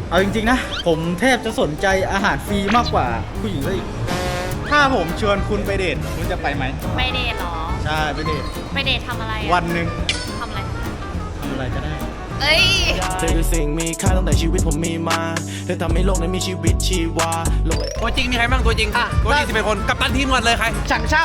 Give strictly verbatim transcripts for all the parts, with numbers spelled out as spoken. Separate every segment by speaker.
Speaker 1: เอาจริงๆนะผมแทบจะสนใจอาหารฟรีมากกว่าผู้หญิงซะอีกถ้าผมชวนคุณไปเดทคุณจะไปไหม
Speaker 2: ไปเดทหรอ
Speaker 1: ใช่ไปเดท
Speaker 2: ไปเดททำอะไร
Speaker 1: วันหนึ่ง
Speaker 2: ทำอะไร
Speaker 1: ทำอะไรก็ได้
Speaker 2: เอ้ย
Speaker 3: เธอคือสิ่งมีค่าตั้งแต่ชีวิตผมมีมาเธอทำให้โลกนั้นมีชีวิตชีวา
Speaker 4: ตัวจริงมีใครบ้างตัวจริงตัวจริงสิบเป็นคนกัปตันทีมก่อนเลยใคร
Speaker 1: ฉังเช่า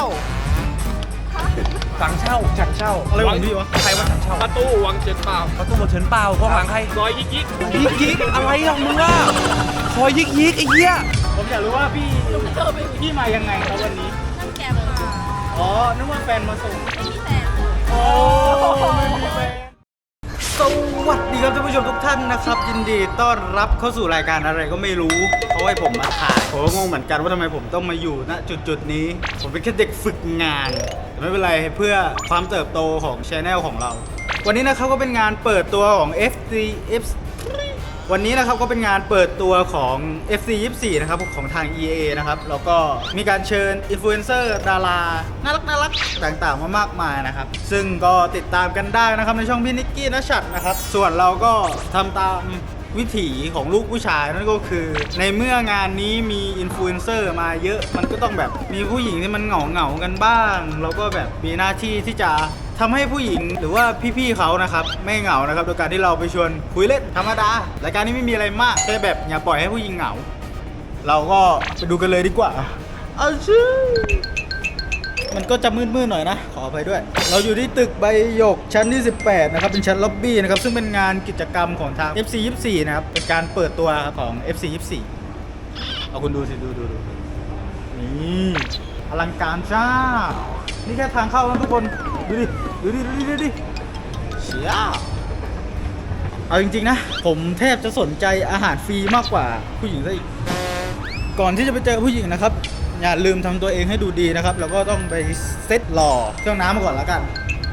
Speaker 4: สั่งเช่าสั่งเช่า
Speaker 1: อะไรของพี่วะ
Speaker 4: ใครว่าสั่งเช่า
Speaker 5: ประตูวังเฉินเปล่า
Speaker 4: ประตูหมดเฉินเปล่าข้างหลังใคร
Speaker 5: ซอยยิกยิก
Speaker 4: ยิกยิกอะไรของมึงอ่ะคอยยิกยิกไอ้เหี้ย
Speaker 1: ผมอยากรู้ว่าพี่พี่มายังไงครับวันนี้
Speaker 2: นั่งแกมา
Speaker 1: อ๋อนึกว่าแฟนมาส่ง
Speaker 2: ไม่มีแฟน
Speaker 1: โอ้ไม่มีแฟนสวัสดีครับท่านผู้ชมทุกท่านนะครับยินดีต้อนรับเข้าสู่รายการอะไรก็ไม่รู้เขาให้ผมมาถ่ายผมก็งงเหมือนกันว่าทำไมผมต้องมาอยู่ณจุดๆนี้ผมเป็นแค่เด็กฝึกงานแต่ไม่เป็นไรเพื่อความเติบโตของ Channel ของเราวันนี้นะครับก็เป็นงานเปิดตัวของ เอฟ ซี เอฟ วันนี้นะครับก็เป็นงานเปิดตัวของ เอฟ ซี ยี่สิบสี่ นะครับของทาง อี เอ นะครับแล้วก็มีการเชิญอินฟลูเอนเซอร์ดาราน่ารักน่ารักต่างๆมามากมายนะครับซึ่งก็ติดตามกันได้นะครับในช่องพี่นิกกี้ณชัดนะครับส่วนเราก็ทำตามวิถีของลูกผู้ชายนั่นก็คือในเมื่องานนี้มีอินฟลูเอนเซอร์มาเยอะมันก็ต้องแบบมีผู้หญิงที่มันเหงาเหงากันบ้างแล้วก็แบบมีหน้าที่ที่จะทำให้ผู้หญิงหรือว่าพี่ๆเขานะครับไม่เหงานะครับโดยการที่เราไปชวนคุยเล่นธรรมดารายการนี้ไม่มีอะไรมากแค่แบบอย่าปล่อยให้ผู้หญิงเหงาเราก็ไปดูกันเลยดีกว่าเอาชื่อมันก็จะมืดๆหน่อยนะขออภัยด้วยเราอยู่ที่ตึกใบหยกชั้นที่สิบแปดนะครับเป็นชั้นล็อบบี้นะครับซึ่งเป็นงานกิจกรรมของทาง เอฟ ซี ยี่สิบสี่ นะครับเป็นการเปิดตัวของ เอฟ ซี ยี่สิบสี่ เอาคุณดูสิดูดูดูนี่อลังการจ้านี่แค่ทางเข้านะทุกคนดูดิดูดิดูดิดูดิเชี่ยเอาจริงๆนะผมแทบจะสนใจอาหารฟรีมากกว่าผู้หญิงซะอีกก่อนที่จะไปเจอผู้หญิงนะครับอย่าลืมทำตัวเองให้ดูดีนะครับแล้วก็ต้องไปเซ็ตหล่อเครื่องน้ำมาก่อนแล้วกัน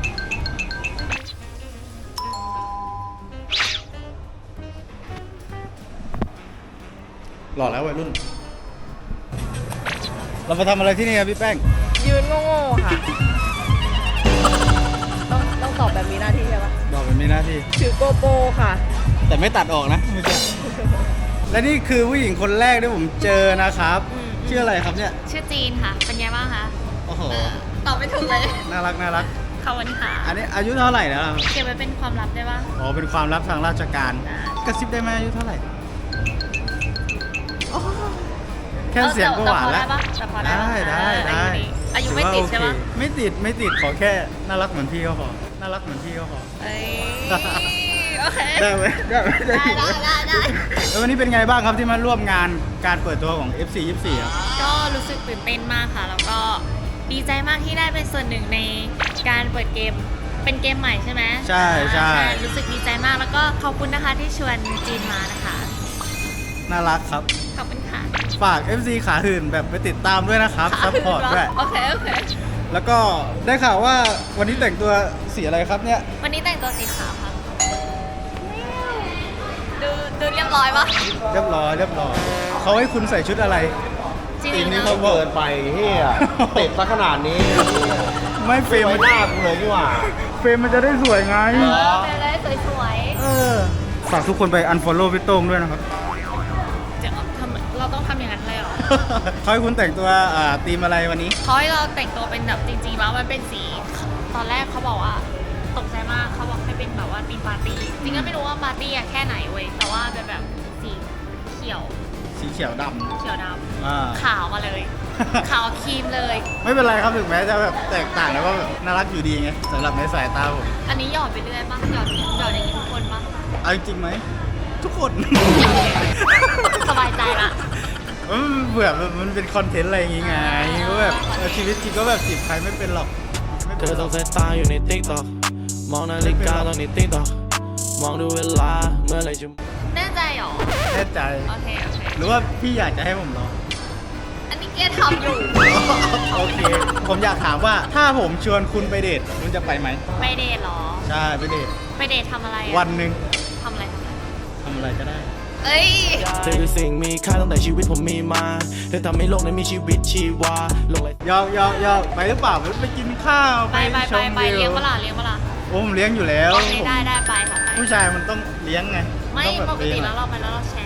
Speaker 1: หล่อแล้ววัยรุ่นเรามาทำอะไรที่นี่ครับพี่แป้ง
Speaker 2: ยืนโง่ๆค่ะต้องต้องตอบแบบมีหน้าที่ใช่ปะ
Speaker 1: ตอบแบบมีหน้าที่
Speaker 2: ถือโกโปรค่ะ
Speaker 1: แต่ไม่ตัดออกนะไม่ใช่และนี่คือผู้หญิงคนแรกที่ผมเจอนะครับชื่ออะไรครับเนี่ย
Speaker 2: ชื่อจีนค่ะเป็นไงบ้างคะ
Speaker 1: โอ้โห
Speaker 2: ตอบไม่ถูกเลย
Speaker 1: น่ารักน่ารัก
Speaker 2: ขอบคุณค่ะ
Speaker 1: อันนี้อายุเท่าไหร่แล้ว
Speaker 2: เก็บไว้เป็นความลับได้ปะ
Speaker 1: อ๋อเป็นความลับทางราชการกระซิบได้ไหมอายุเท่าไหร่แค่เสียงก็หวานแล้วได้ได้ได้
Speaker 2: อายุไม่ติดใช่ไหม
Speaker 1: ไม่ติดไม่ติดขอแค่น่ารักเหมือนพี่ก็พอน่ารักเหมือนพี่ก็พอ
Speaker 2: เอ้ยโอเค
Speaker 1: ได้ไหมได้ไหม
Speaker 2: ได้ได้ได้ได้
Speaker 1: แล้ววันนี้เป็นไงบ้างครับที่มาร่วมงานการเปิดตัวของ เอฟ ซี ยี่สิบสี่ ครับ
Speaker 2: ก็รู้สึกตื่นเต้นมากค่ะแล้วก็ดีใจมากที่ได้เป็นส่วนหนึ่งในการเปิดเกมเป็นเกมใหม่ใช่ไหม
Speaker 1: ใช่ใช่
Speaker 2: รู้สึกดีใจมากแล้วก็ขอบคุณนะคะที่ชวนจีนมานะคะ
Speaker 1: น่ารักครับ
Speaker 2: ขอบคุณค่ะ
Speaker 1: ฝาก เอฟ ซี ขาหื่นแบบไปติดตามด้วยนะครับซัพพอร์ตด้วย
Speaker 2: โอเคโอเค
Speaker 1: แล้วก็ได้ข่าวว่าวันนี้แต่งตัวสีอะไรครับเนี่ย
Speaker 2: วันนี้แต่งตัวสีขาวค่ะดูดูเรียบร้อยปะ
Speaker 1: เรียบร้อยเรียบร้อยเขาให้คุณใส่ชุดอะไร
Speaker 2: ที
Speaker 4: นี้เขาเปิดไปเฮียติดซะขนาดนี้
Speaker 1: ไม่เฟรม
Speaker 4: หน้ากูเลยดีกว่า
Speaker 1: เฟรมมันจะได้สวยไง
Speaker 2: เออเฟรมได้สวย
Speaker 1: ๆเออฝากทุกคนไป unfollow พี่โต้งด้วยนะครับ
Speaker 2: เราต้องทำอย่างนั้นเลยเหรอ
Speaker 1: เขาให้คุณแต่งตัวอ่าธีมอะไรวันนี้
Speaker 2: เขาให้เราแต่งตัวเป็นแบบจริงๆแล้วมันเป็นสีตอนแรกเขาบอกว่าตกใจมากเขาบอกให้เป็นแบบว่าธีมปาร์ตี้จริงก็ไม่รู้ว่าปาร์ตี้อะแค่ไหนเว้ยแต่ว่าเป็นแบบสีเขียว
Speaker 1: สีเขียวดำ
Speaker 2: เขียวดำขาวมาเลยขาวครีมเลย
Speaker 1: ไม่เป็นไรครับถึงแม้จะแบบแตกต่างแล้วก็แบบน่ารักอยู่ดีไงสำหรับในสายตาผม
Speaker 2: อันนี้หยอดไปเรื่อยป่ะหยอดหยอดอย่างนี้ทุกคนป่ะ
Speaker 1: เอาจริงไหมทุกคน
Speaker 2: สบายใจละ
Speaker 1: เบื่อมันเป็นคอนเทนต์อะไรอย่างงี้ไงก็แบบชีวิตจริงก็แบบจีบใครไม่เป็นหรอก
Speaker 3: เธอต้องใส่ตาอยู่ในติ๊กต็อกมองนาฬิกาตอนในติ๊กต็อกมองดูเวลาเมื่อไรจะ
Speaker 2: แน่ใจหรอ
Speaker 1: แน่ใจ
Speaker 2: โอเคโอเค
Speaker 1: หรือว่าพี่อยากจะให้ผมร้อง
Speaker 2: อันนี้เกียร์ทำอยู่
Speaker 1: โอเคผมอยากถามว่าถ้าผมชวนคุณไปเดทคุณจะไปไหม
Speaker 2: ไปเดทหรอ
Speaker 1: ใช่ไปเดท
Speaker 2: ไปเดททำอะไร
Speaker 1: วันหนึ่ง
Speaker 2: ทำอะไร
Speaker 1: ทำอะไรก็ได้
Speaker 2: เอ้ย
Speaker 3: เธอคือสิ่งมีค่าตั้งแต่ชีวิตผมมีมาเธอทำให้โลกนั้นมีชีวิตชีวาโลก
Speaker 1: ยาวยาวยาวไปหรือเปล่าไปกินข้าว
Speaker 2: ไปไปไปไปเลี้ยงเปล่าเลี้ยงเปล่า
Speaker 1: โอ้ผมเลี้ยงอยู่แล้ว
Speaker 2: ได้ได้ไปค่ะ
Speaker 1: ผู้ชายมันต้องเลี้ยงไง
Speaker 2: ไม่ปกติแล้วเราไปแล้วเราแชร์เว้ย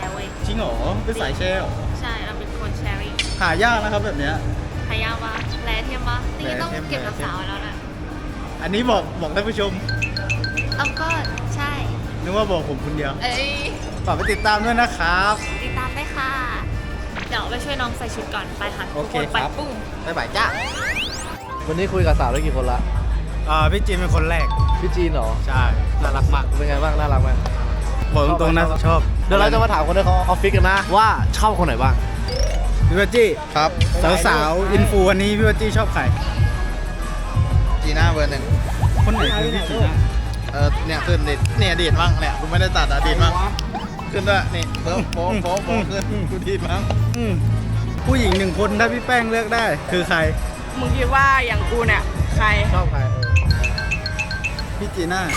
Speaker 1: จริงเหรอเป็นสายแชร์เหรอ
Speaker 2: ใช่เราเป็นคนแชร์ริ่ง
Speaker 1: หายากนะครับแบบเนี้ย
Speaker 2: พยายามว่าแลเทียมปะนี่ต้อง
Speaker 1: แลเทียม
Speaker 2: เก็บรักษาไว้แล้วนะ
Speaker 1: อันนี้บอกบอกท่านผู้ชม
Speaker 2: เอาก็ใช่
Speaker 1: นึกว่าบอกผมคนเดียว
Speaker 2: เอ้ย
Speaker 1: ฝากไปติดตามด้วยนะครับ
Speaker 2: ติดตามได้ค่ะ เดี๋ยวไปช่วยน้องใส่ชุดก่อนไปค่ะ
Speaker 1: โอเค
Speaker 2: ทุกนไป
Speaker 1: ครับ
Speaker 2: ปุ้ง
Speaker 1: บ๊ายบายจ้า
Speaker 4: วันนี้คุยกับสาวได้กี่คนละ
Speaker 1: อ่าพี่จีนเป็นคนแรก
Speaker 4: พี่จีนเหรอ
Speaker 1: ใช่น่ารักมาก
Speaker 4: เป็นไงบ้างน่ารักไหม
Speaker 1: บอกตรงๆนะชอบ
Speaker 4: เดี๋ยวเราจะมาถามคนในออฟฟิศกันนะว่าชอบคนไหนบ้าง
Speaker 1: พี่วัจจี้ครับสาวๆอินฟูวันนี้พี่วัจจี้ชอบใคร
Speaker 5: จีน่าเบอร์หนึ่ง
Speaker 1: คนไหนคือพี่จีน่า
Speaker 5: เออเนี่ยขึ้นดิเนี่ยดีดบ้างเนี่ยกูไม่ได้ตัดอะดีดบ้างขึ้นด้วยนี่เพิ่มโป๊ะโป๊ะโป๊ะขึ้นกูดีดบ้าง
Speaker 1: อืมผู้หญิงหนึ่งคนถ้าพี่แป้งเลือกได้ คือใคร
Speaker 6: มึงคิดว่าอย่างกูเนี่ย ใคร
Speaker 4: ชอบใคร
Speaker 1: พี่จีน่า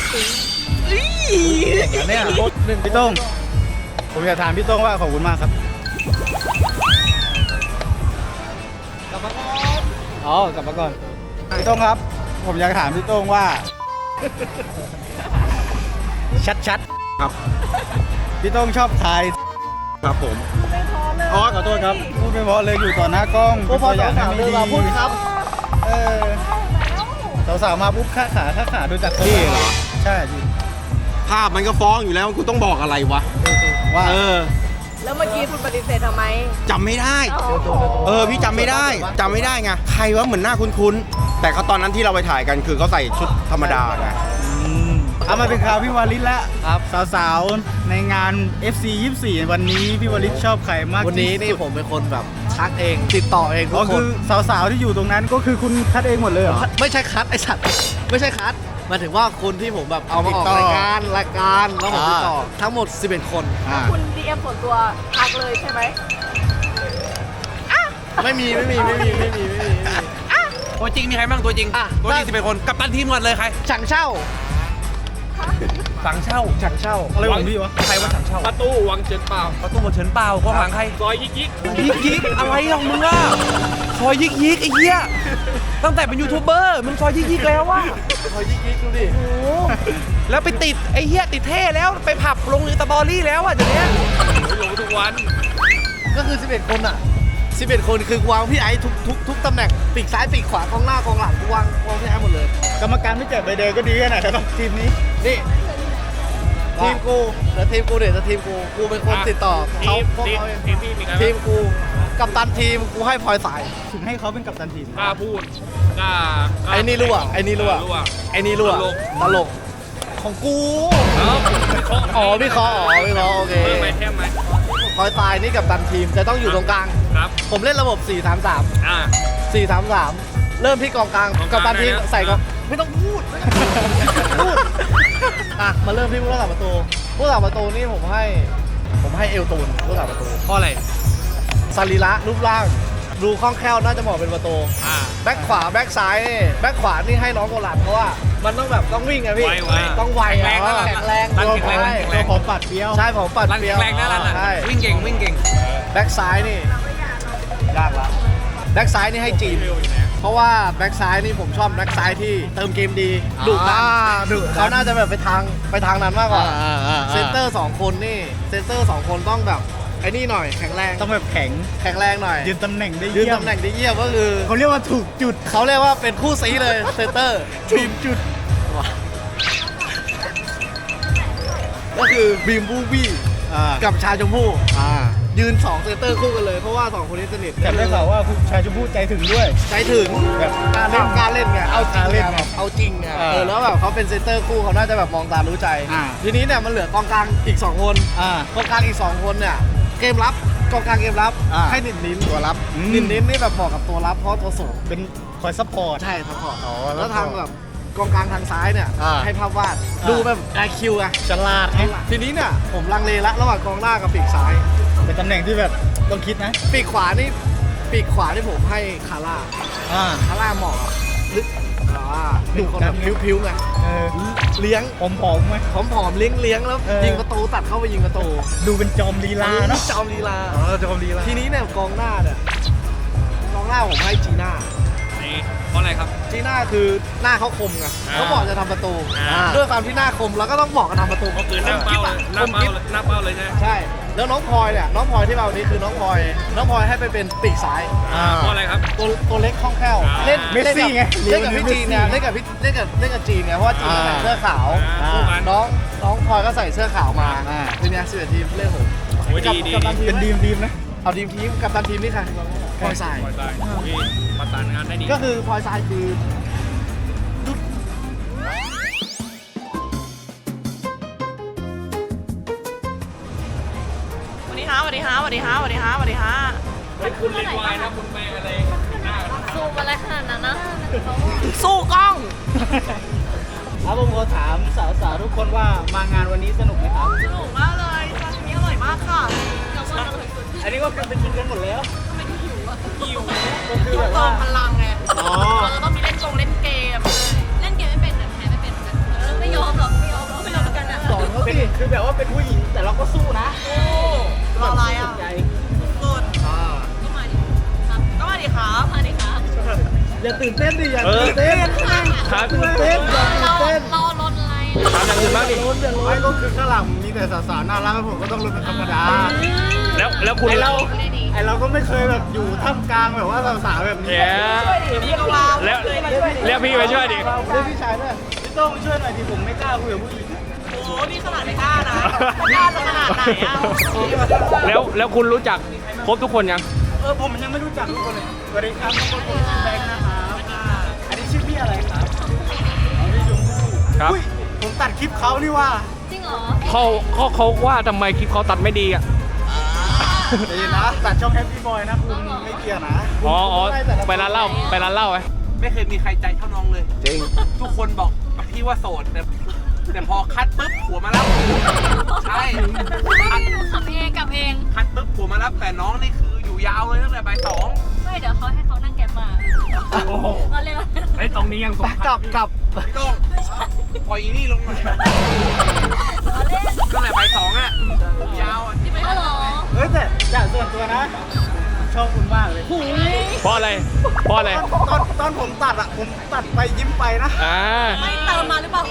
Speaker 4: อันเนี้ยรถหนึ่ง
Speaker 1: พี่โต้งผมอยากถามพี่โต้งว่าขอบคุณมากครับ
Speaker 4: กลับมาก่อน
Speaker 1: อ๋อกลับมาก่อนพี่โต้งครับ ผมอยากถามพี่โต้งว่า ชัดๆครับพี่โต้งชอบใคร
Speaker 5: ครับผม
Speaker 1: อ๋อขอโทษครับพูดไม่เพราะเลยอยู่ต่อหน้ากล้อง
Speaker 4: โอ้พอ
Speaker 1: เป็นตัวอย่าง
Speaker 4: สาวๆ
Speaker 1: ให้
Speaker 4: เดิ
Speaker 1: ไม่
Speaker 4: น
Speaker 1: ดี
Speaker 4: มาพูดครับ
Speaker 1: เออสาวๆมาปุ๊บข้าขาข้าขาดูจากพี่เหรอใช่พี่
Speaker 7: ภาพมันก็ฟ้องอยู่แล้วกูต้องบอกอะไรวะ
Speaker 1: ว่า
Speaker 7: เออ
Speaker 6: แล้วเมื่อกี้คุณปฏิเสธทำไม
Speaker 7: จำไม่ได้ เออ พี่จำไม่ได้จำไม่ได้ไง ใครวะเหมือนหน้าคุ้นๆ แต่เขาตอนนั้นที่เราไปถ่ายกันคือเขาใส่ชุดธรรมดาไง
Speaker 1: อืมเอามาเป็นข่าวพี่วาริศแล้ว
Speaker 4: ครับ
Speaker 1: สาวๆในงาน เอฟ ซี ยี่สิบสี่ วันนี้พี่วาริศชอบใครมาก
Speaker 4: วันนี้นี่
Speaker 1: ที่สุด
Speaker 4: ผมเป็นคนแบบทักเองติดต่อเองทุ
Speaker 1: อ๋อก
Speaker 4: ค
Speaker 1: คื
Speaker 4: น
Speaker 1: อสาวๆที่อยู่ตรงนั้นก็คือคุณคัดเองหมดเลยเหรอ
Speaker 4: ไม่ใช่คัดไอสัตว์ไม่ใช่คัดหมายถึงว่าคนที่ผมแบบเอามาออก
Speaker 1: ติดต่อ
Speaker 4: รายการรายการแล้วผมติดต่อ
Speaker 1: อ่า
Speaker 4: ทั้งหมดสิบเอ็ดคน
Speaker 1: อ่า
Speaker 6: คุณ ดี เอ็ม ส่วนตัวทักเลยใช่ไหม
Speaker 4: ไม่มีไม่มีไม่มีไม่มีไม่มีไม่มี
Speaker 8: ตัวจริงมีใครบ้างตัวจริง
Speaker 4: อ่ะ
Speaker 8: ตัวจริงสิบเป็นคนกัปตันทีมก่อนเลยใคร
Speaker 4: ฉังเช่า
Speaker 8: สังเช่า
Speaker 4: ฉังเช่า
Speaker 1: อะไรของพี่วะ
Speaker 8: ใครว่าสังเช่า
Speaker 9: ประตูวังเฉินเปล่า
Speaker 8: ประตูหมดเฉินเปล่าข้างหลังใคร
Speaker 9: ซอยยิกยิก
Speaker 8: ยิกยิกอะไรของมึงอ่ะซอยยิกยิกไอ้เหี้ยตั้งแต่เป็นยูทูบเบอร์มึงซอยยิกยิกแล้วว่ะ
Speaker 4: คอยยิกยิกดูดิ
Speaker 8: แล้วไปติดไอ้เหี้ยติดเท่แล้วไปผับลงในสตอรี่แล้วอ่ะเดี๋ยวนี้
Speaker 9: ลงทุกวัน
Speaker 4: ก็คือสิบเอ็ดคนอ่ะสิบเอ็ดคนคือกูวางพี่ไอ้ทุกทุกทุกตำแหน่งปีกซ้ายปีกขวากองหน้ากองหลังกูวางวางพี่ไอ้หมดเลย
Speaker 1: กรรมการไม่แจกใบแดงก็ดีแค่ไหนแล้วทีมนี้
Speaker 4: นี่ทีมกูแล้วทีมกูเดี๋ยวจะทีมกูกูเป็นคนติดต่อ
Speaker 9: ที
Speaker 4: เขา
Speaker 9: ม
Speaker 4: พวก
Speaker 9: ทีม
Speaker 4: เขาเอง
Speaker 9: ทีมพี่มีใคร
Speaker 4: ที
Speaker 9: บ้าง
Speaker 4: มกูกัปตันทีมกูให้พลอยสาย
Speaker 1: ถึงให้เขาเป็นกัปตันทีม
Speaker 9: กล้าพูดกล้ากล้า
Speaker 4: ไอ้นี่รั่วไอ้นี่รั่ว
Speaker 9: เออรั่ว
Speaker 4: ไอ้นี่รั่ว
Speaker 9: ตลก
Speaker 4: ตลกของกู
Speaker 9: เอ้าวิเคราะห์
Speaker 4: อ๋อพี่คออ๋อพี่คอโอเค
Speaker 9: เพิ่มไหมเทมไหม
Speaker 4: พลอยสายนี่กัปตันทีมจะต้องอยู่ตรงกลาง
Speaker 9: ครับ
Speaker 4: ผมเล่นระบบ สี่ สาม สาม
Speaker 9: อ่า
Speaker 4: สี่ สาม สาม เริ่มที่กองกลาง
Speaker 9: กองกลาง
Speaker 4: กัปตันทีม
Speaker 9: ได้นะ
Speaker 4: ใส่กองไม่ต้องพูดไม่ต้องพูดอ่ะมาเริ่มที่ผู้รักษาประตูผู้รักษาประตูนี่ผมให้ ผมให้เอลตูนผู้รักษาประตู
Speaker 8: เพราะอะไร
Speaker 4: สรีระรูปร่าง ดูคล่องแคล่วน่าจะเหมาะเป็นประตู
Speaker 9: อ่า
Speaker 4: แบ็คขวาแบ็คซ้ายนี่แบ็คขวานี่ให้น้องโกลัดเพราะว่ามันต้องแบบต้องวิ่งไงพี่
Speaker 9: ไวไว
Speaker 4: ต้องไว
Speaker 8: แข็งแรง
Speaker 4: อะ
Speaker 8: นะ
Speaker 4: แข็งแรง
Speaker 8: รัน
Speaker 4: ตัว
Speaker 8: แข็งแรง
Speaker 4: ใช่
Speaker 8: แข็งแร
Speaker 1: ตัว
Speaker 8: ง
Speaker 1: ผมปัดเปรี้ยว
Speaker 4: ใช่ผมปัด
Speaker 8: รัน
Speaker 4: เปรี้
Speaker 8: แข็
Speaker 4: ยว
Speaker 8: งแรงนะรันอ่ะ
Speaker 4: ใช่
Speaker 8: วิ่งเก่งวิ่งเก่ง
Speaker 4: แบ็คซ้ายนี่ยากละแบ็คซ้ายนี่ให้จีน เพราะว่าแบ็คซ้ายนี่ผมชอบแบ็คซ้ายที่เติมเกมดีดุดัน
Speaker 1: ดุ
Speaker 4: เขาน่าจะแบบไปทางไปทางนั้นมากกว่า
Speaker 1: อ่าอ่าอ่า
Speaker 4: เซนเตอร์สองคนนี่เซนเตอร์สองคนต้องแบบไอ้นี่หน่อยแข็งแรง
Speaker 1: ต้องแบบแข็ง
Speaker 4: แข็งแรงหน่อย
Speaker 1: ยืนตำแหน่งได้
Speaker 4: ยืน
Speaker 1: เยี่ยม
Speaker 4: ตำแหน่งได้เยี่ยมก็คือ
Speaker 1: เขาเรียกว่าถูกจุด
Speaker 4: เขาเรียกว่าเป็นคู่ซีเลยเซนเตอร์
Speaker 1: ถูกจุด
Speaker 4: ก็คือบีมบูบี้
Speaker 1: อ่า
Speaker 4: กับชาชมพู่
Speaker 1: อ่า
Speaker 4: ยืนสองเซนเตอร์คู่กันเลยเพราะว่าสองคนนี้สนิท
Speaker 1: แต่ได้ข่าวว่าคุณชายชมพู่ใจถึงด้วย
Speaker 4: ใจถึง
Speaker 1: แบบกล้าเล่น
Speaker 4: กล้ารเล่นไงเอาจริง
Speaker 1: กล้าเล่น
Speaker 4: ไง
Speaker 1: ไง
Speaker 4: แบบเอาจริงไง
Speaker 1: เออ
Speaker 4: เออแล้วแบบเขาเป็นเซนเตอร์คู่เขาน่าจะแบบมองตารู้ใจ
Speaker 1: อ่า
Speaker 4: ทีนี้เนี่ยมันเหลือกองกลางอีกสองคน
Speaker 1: อ่าก
Speaker 4: องกลางอีกสองคนเนี่ยเกมรับกองกลางเกมรับ
Speaker 1: อ่า
Speaker 4: ให้นินนิน
Speaker 1: ตัวรับอืม
Speaker 4: นินนินนี่แบบเหมาะกับตัวรับเพราะตัวสูง
Speaker 1: เป็นคอยซัพพอร์ต
Speaker 4: ใช่ทั้งพอร์ต
Speaker 1: อ๋อ
Speaker 4: แล้วทางแบบกองกลางทางซ้ายเนี่ย
Speaker 1: อ่า
Speaker 4: ให้ภาพวาด
Speaker 1: อ่า
Speaker 4: ดูแบบ ไอ คิว อะ
Speaker 1: ฉลาดไง
Speaker 4: ทีนี้เนี่ยผมลังเลละระหว่างกองหน้ากับปีกซ้าย
Speaker 1: เป็นตำแหน่งที่แบบต้องคิดนะ
Speaker 4: ปีกขวานี่ปีกขวานี่ผมให้คาร่า
Speaker 1: อ่า
Speaker 4: คาร่าเหมาะกับลึกอ่าเป็นคนแบบพิ้วๆไง
Speaker 1: เออ
Speaker 4: เลี้ยง
Speaker 1: ผมผอมๆไหม
Speaker 4: ผอมๆเลี้ยงเลี้ยงๆแล้ว
Speaker 1: เออ
Speaker 4: ยิงประตูตัดเข้าไปยิงประตู
Speaker 1: ดูเป็นจอมลีลาเนาะ
Speaker 4: จอมลีลา
Speaker 1: อ๋อจอมลีลา
Speaker 4: ทีนี้เนี่ยกองหน้าเนี่ยกองหน้าผมให้จีน่า
Speaker 9: นี่เพราะอะไรครับ
Speaker 4: จีน่าคือหน้าเขาคมไง
Speaker 9: อ่า
Speaker 4: เขาบอกจะทำประตู
Speaker 9: อ่า
Speaker 4: ด้วยความที่หน้าคมเราก็ต้องบอกกันทำประตู
Speaker 9: ก็คือหน้าเป้าเลยหน้าเป้าเลยหน้าเป้าเลยใช่ไหม
Speaker 4: ใช่แล้วน้องพลอยเนี่ยน้องพลอยที่มาวันนี้คือน้องพลอยน้องพลอยให้ไปเป็นปีกซ้าย
Speaker 9: อ่าเพราะอะไรครับ
Speaker 4: ตัวตัวเล็กคล่องแคล่ว
Speaker 9: อ่า
Speaker 4: เล่น
Speaker 1: เมสซี่ไง
Speaker 4: เล่นกับพี่จีนเนี่ยเล่นกับพี่เล่นกับเล่นกับจีนเนี่ยเพราะว่าจีนใส่เสื้อขาว
Speaker 9: อ่าคู่กัน
Speaker 4: น้องน้องพลอยก็ใส่เสื้อขาวมาทีเนี้ยสิบเอ็ดทีมเล่นผม
Speaker 9: โอ้ยดีดี
Speaker 4: กัปตันทีม
Speaker 1: เป็นดีมทีมนะ
Speaker 4: เอาทีมทีมกัปตันทีมนี่ใครพลอยทราย
Speaker 9: ปล่อยได้พี่ประสานงานได้ดี
Speaker 4: ก็คือพลอยทรายคือ
Speaker 6: สวัสดีฮะสวัสดีฮะสวัสดีฮะสวัสดีฮะสวัสดีฮะ
Speaker 9: เฮ้ยคุณเล่นวายนะคุณไปอะไรหน้า
Speaker 2: ซูมอะไรขนาดนั้นนะ
Speaker 6: สู้กล้อง
Speaker 1: ครับผมขอถามสาวๆทุกคนว่ามางานวันนี้สนุกไหมครับ
Speaker 6: สนุกมากเลยซาชิมิอร่อยมากค่ะ
Speaker 1: อันนี้ก็เป็นกินกันหมดแล้ว
Speaker 6: หิว
Speaker 1: ก็คือแบบ
Speaker 6: เติ
Speaker 1: ว่า
Speaker 6: มพลังไง
Speaker 1: อ๋อ
Speaker 6: เราจะต้องมีเล่นกงเล่นเกม
Speaker 2: เล่นเกมไม่เป็นแต่แพ้ไม่เป็นกันเออไม่ยอมหรอกไม่ยอมหรอกไม่ยอมกันนะ
Speaker 4: สอนเขา
Speaker 1: เป็น
Speaker 4: สิ
Speaker 1: คือแบบว่าเป็นผู้หญิงแต่เราก็สู้นะ
Speaker 6: โอ้รออะไรอ่ะ
Speaker 1: ใจ
Speaker 6: สุด
Speaker 1: อ่า
Speaker 2: ก็มาดิครับ
Speaker 6: ก็มาดิครับ
Speaker 2: มาดิครับ
Speaker 1: อย่าตื่นเต้นดิอย่า
Speaker 9: เออ
Speaker 1: ตื่นเต้น
Speaker 9: ครับ
Speaker 1: ตื่นเต้นอย่าตื่น
Speaker 2: เรา
Speaker 1: เต้น
Speaker 2: เราลดอะไร
Speaker 9: ถามอย่างอื่นบ้างดิ
Speaker 1: ไม่ก็คือข้างหลังมีแต่สาวๆน่ารักผมก็ต้องรู้เป็นธรรมดา
Speaker 9: แล้วแล้วคุณ
Speaker 1: ไอเรา
Speaker 2: ได้ดี
Speaker 1: ไอเราก็ไม่เคยแบบอยู่ท่ามกลางแบบว่าสาวๆแบบนี้
Speaker 9: เดี๋ยว
Speaker 6: พี่ก็ว่า
Speaker 9: แล้วเรียกพี่ไปช่วยดิ
Speaker 1: เรียกพี่ชายด้วยพี่โต้งช่วยหน่อยดิผมไม่กล้าคุยกับผู้หญิง
Speaker 6: โอ้นี่ขนาดไม่กล้านะไม่กล้าจะขนาดไหนอ่ะ
Speaker 9: แล้วแล้วคุณรู้จักครบทุกคนยัง
Speaker 1: เออผมยังไม่รู้จักทุกคนเลยสวัสดีครับทุกคนผมชื่อแบงค์นะครับอันนี้ชื่อพี่อะไรครับอ๋อพี่ชมพู่
Speaker 9: ครับ
Speaker 1: อุ้ยผมตัดคลิปเขานี่ว่า
Speaker 2: จริงเหรอ
Speaker 9: เขาเขาเขาว่าทำไมคลิปเขาตัดไม่ดีอ่ะ
Speaker 1: ใจเย็นนะตัดช่องแฮปปี้บอยนะคุณไม่เกี่ยวนะ
Speaker 9: อ๋ออ๋อไปร้านเหล้าไปร้านเหล้าไหม
Speaker 8: ไม่เคยมีใครใจเท่าน้องเลย
Speaker 4: จริง
Speaker 8: ทุกคนบอกกับพี่ว่าโสดแต่แต่พอคัดปุ๊บผัวมารับใช่คัด
Speaker 2: ขับเองกลับเอง
Speaker 8: คัดปุ๊บผัวมารับแต่น้องนี่คืออยู่ยาวเลยตั้งแต่บ่ายสอง
Speaker 2: ไม่เดี๋ยวเขาให้เขานั่งแกร็บมาเราเร็ว
Speaker 9: ไอ้ตรงนี้ยังสง
Speaker 4: กลับกลับ
Speaker 8: พี่ต้องปล่อยอีนี่ลงหน่อยตั้งแต่บ่ายสองอ่ะผมยาวอ่ะ
Speaker 2: ที่ไม่หรอ
Speaker 1: เฮ้ยแต่จากส่วนตัวนะชอบคุณมากเลย
Speaker 9: เพราะอะไรเพราะอะไร
Speaker 1: ตอนตอนผมตัดอะผมตัดไปยิ้มไปนะ
Speaker 9: อ่า
Speaker 2: ไม่เติมมาหรือเปล่า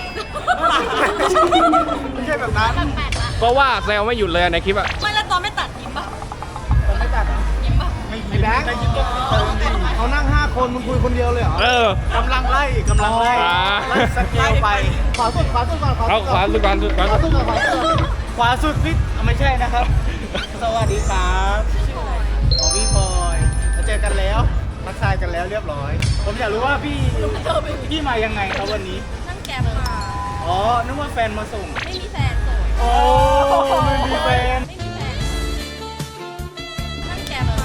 Speaker 1: ไม่ใช่แบบนั้น
Speaker 2: แปลกๆละ
Speaker 9: ก็ว่าแซวไม่หยุดเลยในคลิปอ่ะ
Speaker 2: ไม่แล้วตอนไม่ตัดยิ้มปะ
Speaker 1: ผมไม่ตัดอะ
Speaker 2: ยิ้มปะ
Speaker 1: ไม่
Speaker 4: ไอ้แบงค์
Speaker 1: ไม่ยิ้มก็เติมดิ
Speaker 4: เขานั่งห้าคนมึงคุยคนเดียวเลยเหรอ
Speaker 9: เออ
Speaker 1: กำลังไล่กำลังไล่
Speaker 9: อ่า
Speaker 1: ไล่สเกลไป
Speaker 4: ขวาสุดขวาสุดก่อน
Speaker 9: เอาขวาสุดก่อนสุดก่อน
Speaker 4: ขวาสุดก่อนขวาสุดก่อน
Speaker 1: ขวาสุดพี่อ่ะไม่ใช่นะครับ สวัสดีครับชื่ออะไรอ๋อพี่พลอยเราเจอกันแล้วทักทายกันแล้วเรียบร้อย ผมอยากรู้ว่าพี่พี่มายังไงครับวันนี้
Speaker 2: นั่งแกร็บมา
Speaker 1: อ๋อนึกว่าแฟนมาส่ง
Speaker 2: ไม่มีแฟนโสด
Speaker 1: โอ้ไม่มีแฟน
Speaker 2: ไม่มีแฟนนั่งแกร็บมา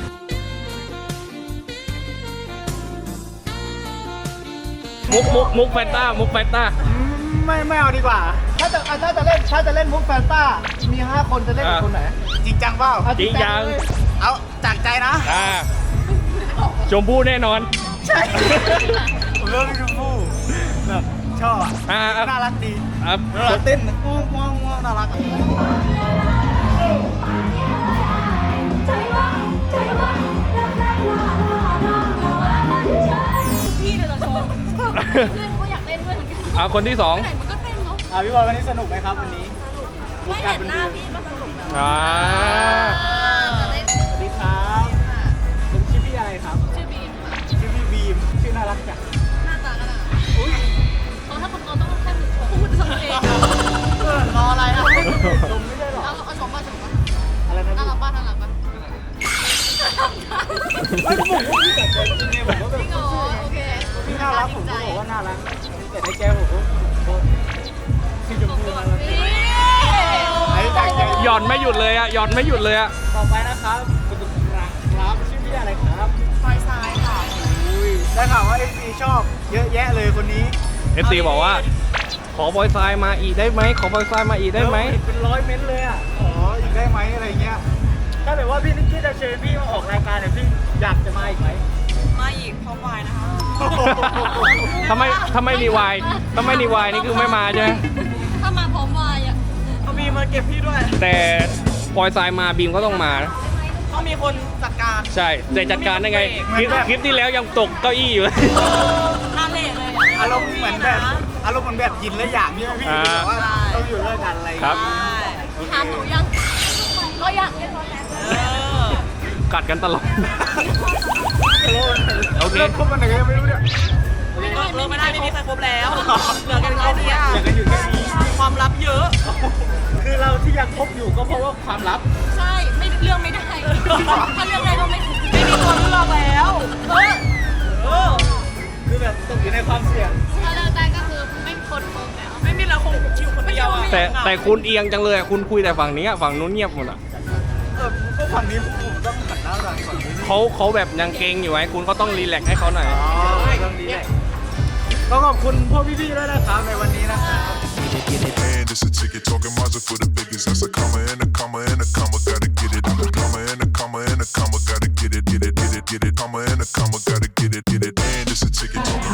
Speaker 9: มุกมุกมุกแฟนต้ามุกแฟนต้า
Speaker 1: อืมไม่ไม่เอาดีกว่า
Speaker 4: ถ้าจะถ้าจะเล่นถ้าจะเล่นมุกแฟนต้ามีห้าคนจะเล่นกับ
Speaker 9: อ่า
Speaker 4: คนไหน
Speaker 1: จริงจังเปล่า
Speaker 4: เอา
Speaker 9: จริงจัง
Speaker 4: เลย
Speaker 1: เอาจากใจนะ
Speaker 9: อ่าชมพู่แน่นอน
Speaker 1: ใช่ ผมเลือกพี่ชมพู่แบบชอบอะ
Speaker 9: อ่าอ่า
Speaker 1: น่ารักดี
Speaker 9: อ่ะ
Speaker 1: เวลาเต้นง่วงง่วงง่วงน่ารักอะ
Speaker 2: พี่เลยเหรอโชว์เพื่อนก็อยากเล่นด้วยเหมือนกัน
Speaker 9: เอาคนที่สอง
Speaker 2: ไหนมันก็เต้นเนาะ
Speaker 1: อ่ะพี่บอลวันนี้สนุกไหมครับวันนี้
Speaker 2: ไม่เห็นหน้าพี่ก็สนุกนะ
Speaker 9: อ่า
Speaker 2: จะเล่น
Speaker 1: สวัสดีครับผมชื่อพี่อะไรครับ
Speaker 2: ชื่อบีมค่ะ
Speaker 1: ชื่อพี่บีมชื่อน่ารักจัง
Speaker 2: หน้าตาก็น่าเขาถ้าคนโตต้องแค่พูดสำเอง
Speaker 1: เออรออะไรอ่ะชมไม่ได้หรอ
Speaker 2: เอาเอาชมป่ะชมป่ะ
Speaker 1: อะไรนะ
Speaker 2: น่า
Speaker 1: พี่
Speaker 2: รักป่ะน่ารักป่ะ
Speaker 1: ไม่ผมว่าพี่แต่ใจจริงไงผมว่าแบ
Speaker 2: จริ
Speaker 1: บ
Speaker 2: งเหรอโอเค
Speaker 1: พี่น่ารักผมก็บอกว่าน่ารักแต่ในใจผมก็ชื่อชมพู่น่ารัก
Speaker 2: นี่
Speaker 1: ไอ้จากใจ
Speaker 9: หย่อนไม่หยุดเลยอ่ะหย่อนไม่หยุดเลยอ่ะ
Speaker 1: ต่อไปนะครับคุณตุ๊กครับครับชื่อพี่อะไรครับ
Speaker 6: พลอยทรายค่ะ
Speaker 1: อุ้ยได้ข่าวว่าเอฟซีชอบเยอะแยะเลยคนนี้
Speaker 9: เอฟซีบอกว่า ขอบอยทรายมาอีกได้ไหมขอบอยทรายมาอีกได้ไหม
Speaker 1: แล้วเป็นร้อยเม้นต์เลยอ่ะขออีกได้ไหมอะไรเงี้ยถ้าแบบว่าพี่นิกกี้จะเชิญพี่มาออกรายการเนี่ยพี่อยากจะมาอีกไหม
Speaker 6: มาอีกพร้อมวายนะคะ
Speaker 9: ทำไมทำไมมีวายทำไมมีวายนี่คือไม่มาใช่ไหม
Speaker 2: ถ้ามาพร้อมวายอ่ะ
Speaker 6: เขามีมาเก็บพี่ด้วย
Speaker 9: แต่ปอยทรายมาบีมก็ต้องมานะ
Speaker 6: เขามีคนจัดการ
Speaker 9: ใช่แต่จัดการได้ไงคลิปคลิปที่แล้วยังตกเก้าอี้อยู่เลย
Speaker 6: หน้าเละเลย
Speaker 1: อารมณ์เหมือนแบบอารมณ์เหมือนแบบกินแล้วอย่างนี้พี่
Speaker 9: อ่า
Speaker 1: แบบว่าต้องอยู่ด้วยกันอะไรอย่าง
Speaker 9: ครับ
Speaker 1: เงี้ยโอเค
Speaker 2: ถามหนูยังก็อยากเล่นรถแล้ว
Speaker 9: กัดกันตลอด โอเค
Speaker 1: เริ่มคบกันไหนก็ยังไม่รู้เนี่ย
Speaker 6: ก็เลิกไม่ได้ไม่มีใครครบแล้วเหลือกันแค่นี้อะ
Speaker 1: อยากกันอยู่แค่นี้
Speaker 6: ความลับเยอะ
Speaker 1: คือเราที่ยังคบอยู่ก็เพราะว่าความลับ
Speaker 2: ใช่ไม่เรื่องไม่ได้ถ้าเรื่องได้ก็ไม่
Speaker 6: ไม่มีตัวเลือกแล้ว
Speaker 2: เออ
Speaker 6: เออ
Speaker 1: คือแบบตกอยู่ในความเสี่ยง
Speaker 2: ถ้าเลิกได้ก็คือไม่คนคงแล้ว
Speaker 6: ไม่มีเราคงชิวคนเดียวอะ
Speaker 9: แต่แต่คุณเอียงจังเลยอะคุณคุยแต่ฝั่งนี้อะฝั่งนู้นเงียบหมดอ่ะ
Speaker 1: เออก็ฝั่งนี้ผมต้องหันหน้าทางฝั่งนี้
Speaker 9: เขาเขาแบบยังเกรงอยู่ไว้คุณก็ต้องรีแลกซ์ให้เขาหน่อย
Speaker 1: อ๋อเรื่องนี้แหละก็ขอบคุณพวกพี่ๆด้วยนะครับในวันนี้นะครับ
Speaker 10: And it's a ticket talking Mazda for the biggest. That's a comma and a comma and a comma, gotta get it. I'm a comma and a comma and a comma, gotta get it, get it, get it, get it. Comma and a comma, gotta get it, get it. And it's a ticket talking.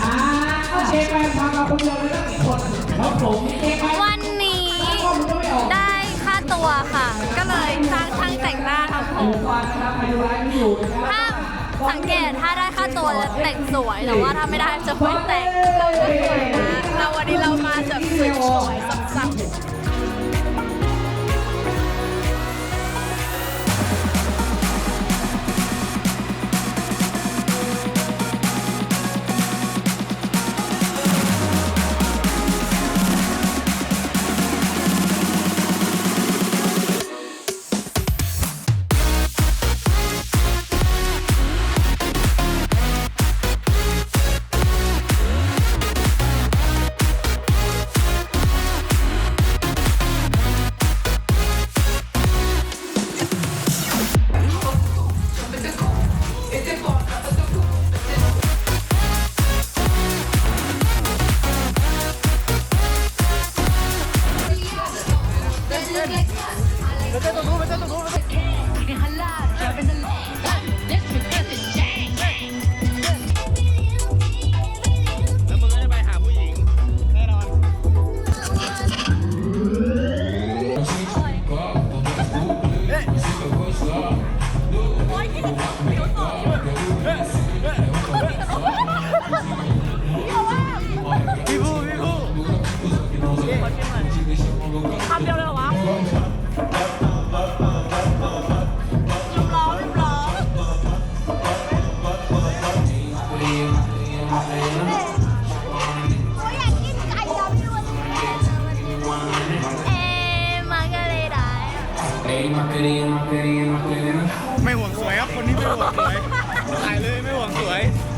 Speaker 2: วันนี้ได้ค่าตัวค่ะ ก็เลยจ้างช่างแต่งหน้าทำผมถ้าสังเกตถ้าได้ค่าตัวจะแต่งสวยแต่ว่าถ้าไม่ได้จะไม่แต่งเราจะสวยนะเราวันนี้เรามาแบบสวยๆสับๆ
Speaker 9: แล้วมึงก็จะไปหาผู้หญิง แน่นอน
Speaker 1: พี่ผู้พี่ผู้
Speaker 6: คำเดียวเลยเหรอวะลืมร้องลืมร้อง
Speaker 1: ไม่ห่วงสวยครับคนนี้ไม่ห่วงสวยถ่ายเลยไม่ห่วงสวย